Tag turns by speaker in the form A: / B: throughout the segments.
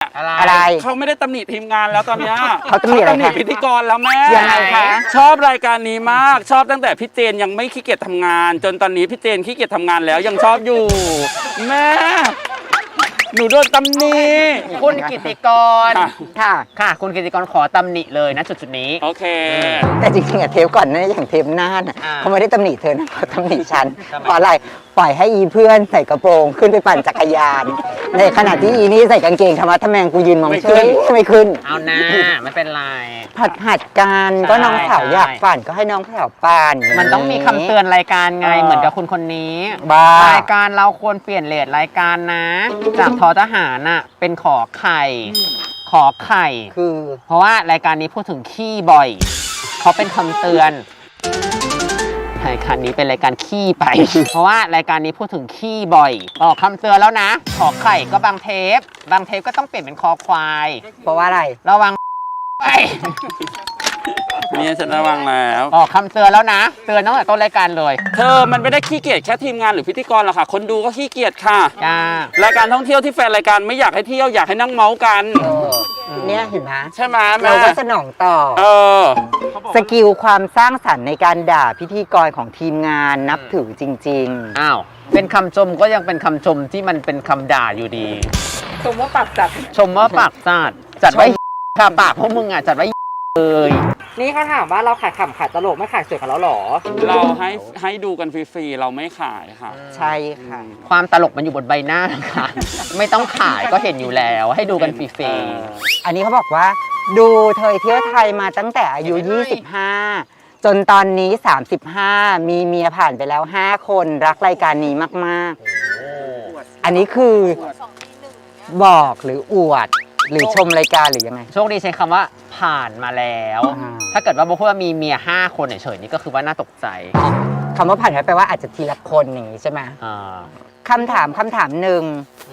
A: อะไร
B: เขาไม่ได้ตำหนิทีมงานแล้วตอนเนี้ย
A: เขาตำหนิอะไรคะ
B: พิธีกรแล้วแม่
A: ยังไงคะ
B: ชอบรายการนี้มากชอบตั้งแต่พี่เจนยังไม่ขี้เกียจทำงาน จนตอนนี้พี่เจนขี้เกียจทำงานแล้วยังชอบอยู่แม่หนูโดนตำหนิ
C: คุณกิติกร
A: ค่ะ
C: ค่ะคุณกิติกรขอตำหนิเลยนะจุดนี้
B: โอเค
A: แต่จริงๆอะเทปก่อนนะอย่างเทปหน้าน่ะ
C: อ่า
A: เขาไม่ได้ตำหนิเธอนะเขาตำหนิฉัน
C: ทำไม
A: เพราะอะไรปล่อยให้อีเพื่อนใส่กระโปรงขึ้นไปปั่นจักรยาน ในขณะที่อีนี่ใส่กางเกงธรรมะทะแมงกูยืนมอง
B: ไม่
A: เฉ
B: ขึ้
A: ย
B: น
A: ไม่ขึ้น
C: เอาหน้าไม่เป็นไร
A: หัดกันก็น้องสาวอยากปั่นก็ให้น้องสาวปั่น
C: มันต้องมีคำเตือนรายการไงเหมือนกับคุณคนนี้
A: บ้าร
C: ายการเราควรเปลี่ยนเรทรายการนะ จากทอทหารน่ะเป็นขอไข่ขอไข่
A: คือ
C: เพราะว่ารายการนี้พูดถึงขี้บ่อยเขาเป็นคำเตือนรายการนี้เป็นรายการขี้ไป เพราะว่ารายการนี้พูดถึงขี้บ่อยออกคำเตือนแล้วนะขอไข่ก็บางเทปก็ต้องเปลี่ยนเป็นคอควาย
A: เพราะว่าอะไร
C: ระวังไป
B: เนี่ยฉันระวังแล้ว
C: ออกคำเตือนแล้วนะ เตือนตั้งแต่ต้นรายการเลย
B: เธอมันไม่ได้ขี้เกียจแค่ทีมงานหรือพิธีกรหรอกค่ะ คนดูก็ขี้เกียจค่ะ
C: จ้าร
B: ายการท่องเที่ยวที่แฟนรายการไม่อยากให้เที่ยวอยากให้นั่งเมาส์กัน
A: เนี่ยเห็นไหม
B: ใช่ไหมแม่
A: เราก็สนองตอบ
B: เออ
A: สกิลความสร้างสรรค์ในการด่าพิธีกรของทีมงานนับถือจริง
C: อ้าวเป็นคำชมก็ยังเป็นคำชมที่มันเป็นคำด่าอยู่ดี
B: ชมว่าปากจัด
C: ชมว่าปากจัดจัดไว้ค่ะปากพวกมึงอ่ะจัดไว้เลย
D: นี่เขาถามว่าเราขายขำขายตลกไม่ขายสวยกับเราหรอ
B: เราให้ดูกันฟรีๆ เราไม่ขายค่ะ
A: ๆ ใช่ค่ะ
C: ความตลกมันอยู่บนใบหน้านะคะ ไม่ต้องขายก็เห็นอยู่แล้ว ให้ดูกันฟรี
A: อันนี้เขาบอกว่า ดูเธอเที่ยวไทยมาตั้งแต่อายุ 25 จนตอนนี้ 35 มีเมียผ่านไปแล้ว 5 คนรักรายการนี้มากๆ อันนี้คือบอกหรืออวด หรือชมรายการหรือยังไง
C: ๆโชคดีใช้คำว่าผ่านมาแล้ว
A: อ่า
C: ถ้าเกิดว่าโบพูดว่ามีเมีย5 คนเฉยๆนี่ก็คือว่าน่าตกใจ
A: คำว่าผ่านไปแปลว่าอาจจะทีละคนอย่างนี้ใช่ไหม
C: อ่า
A: คำถามหนึ่ง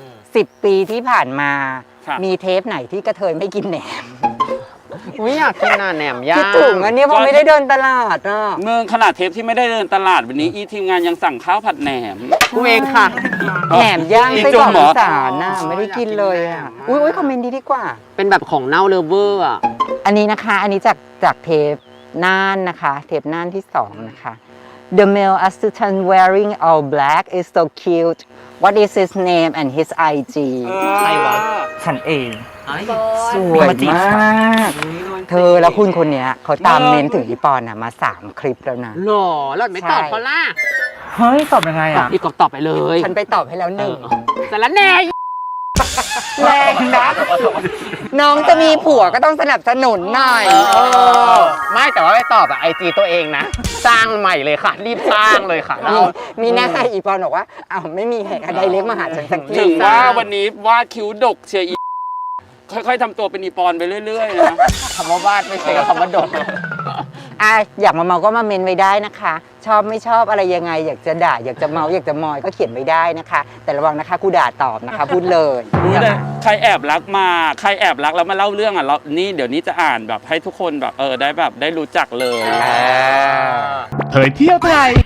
A: 10 ปีที่ผ่านมา
B: ค่ะ
A: มีเทปไหนที่กระเทยไม่กินแหนม
C: อุ้ยอยากกินน่ะแหนมย่าง
A: คิดถึงอันนี้เพราะไม่ได้เดินตลาดอ่ะ
B: เมืองขนาดเทปที่ไม่ได้เดินตลาดวันนี้อีทีมงานยังสั่งข้าวผัดแหนม
C: กูเองค่ะ
A: แหนมย่าง
B: อี
A: ไส้
B: จุ่
A: กรอ
B: ม
A: ก
B: เหรอ
A: อีสานน่ะไม่ได้กินเลยอ่ะอุ้ยคอมเมนต์ดีกว่า
C: เป็นแบบของเน่าเลเวอร์อ่ะ
A: อันนี้นะคะ อันนี้จากเทปน่านนะคะ เทปน่านที่ 2 นะคะ The male assistant wearing all black is so cute. What is his name and his IG?
C: ใครวะ
D: ฉันเอง
A: สวยมาก เธอแล้วคุณคนเนี้ยเขาตามเน้นถึงอีปอนอะมา 3 คลิปแล้วนะ
C: หล่อแล้วไม่ตอบเขาล่ะ
D: เฮ้ย ตอบยังไง
C: ตอบ
D: อ่ะ
C: อีกก็ตอบไปเลย
A: ฉันไปตอบให้แล้วหนึ่ง
C: แต่ละแน่
A: แรงนะน้องจะมีผัวก็ต้องสนับสนุนหน่อย
C: ไม่แต่ว่าไปตอบอะIG ตัวเองนะ สร้างใหม่เลยค่ะ รีบสร้างเลยค่ะเรา
A: มีหน้าอีปอนบอกว่าอ้าวไม่มีใครไดเล็กมาหาฉันสักที
B: ถึงว่าวันนี้วาดคิ้วดกเชียร์อีค่อยๆทำตัวเป็นอีปอนไปเรื่อยๆนะ
C: คำว่าวาดไม่ใช่กับคำว่าดก
A: อ่ะอยากมาเมาก็มาเมนไว้ได้นะคะ ชอบไม่ชอบอะไรยังไง อยากจะด่าอยากจะเมาอยากจะมอยก็เขียนไว้ได้นะคะ แต่ระวังนะคะกูด่าตอบนะคะ พูดเลย
B: รู้เลยใครแอบรักมาใครแอบรักแล้วมาเล่าเรื่องอ่ะเรานี่เดี๋ยวนี้จะอ่านแบบให้ทุกคนแบบได้แบบได้รู้จักเลย
E: เผยเที่ยวไทย